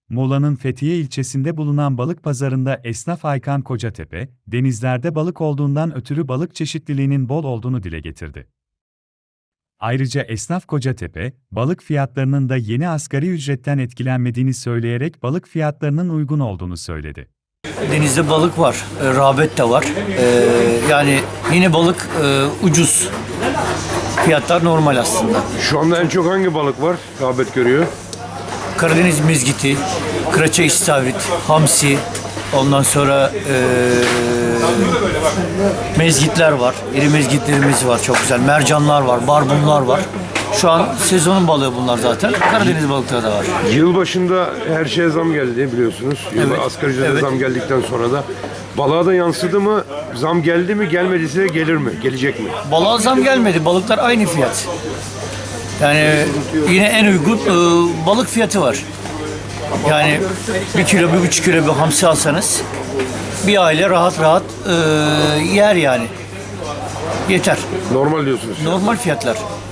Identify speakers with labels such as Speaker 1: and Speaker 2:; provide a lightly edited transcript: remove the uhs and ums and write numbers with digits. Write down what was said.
Speaker 1: Muğla'nın Fethiye ilçesinde bulunan balık pazarında esnaf Aykan Kocatepe, denizlerde balık olduğundan ötürü balık çeşitliliğinin bol olduğunu dile getirdi. Ayrıca esnaf Kocatepe, balık fiyatlarının da yeni asgari ücretten etkilenmediğini söyleyerek balık fiyatlarının uygun olduğunu söyledi.
Speaker 2: Denizde balık var, rağbet de var. Yani yine balık ucuz. Fiyatlar normal aslında.
Speaker 3: Şu anda en çok hangi balık var? Rağbet görüyor.
Speaker 2: Karadeniz mezgiti, kıraça istavrit, hamsi, ondan sonra mezgitler var. İri mezgitlerimiz var çok güzel. Mercanlar var, barbunlar var. Şu an sezonun balığı bunlar zaten. Karadeniz balıkları da var.
Speaker 3: Yılbaşında her şeye zam geldi biliyorsunuz.
Speaker 2: Evet,
Speaker 3: Asgari ücrete
Speaker 2: evet.
Speaker 3: zam geldikten sonra da balığa da yansıdı mı? Zam geldi mi? Gelmediyse gelir mi? Gelecek mi?
Speaker 2: Balığa zam gelmedi. Balıklar aynı fiyat. Yani yine en uygun balık fiyatı var. Yani 1 kilo, 1,5 kilo bir hamsi alsanız bir aile rahat rahat yer yani. Yeter.
Speaker 3: Normal diyorsunuz.
Speaker 2: Normal fiyatlar.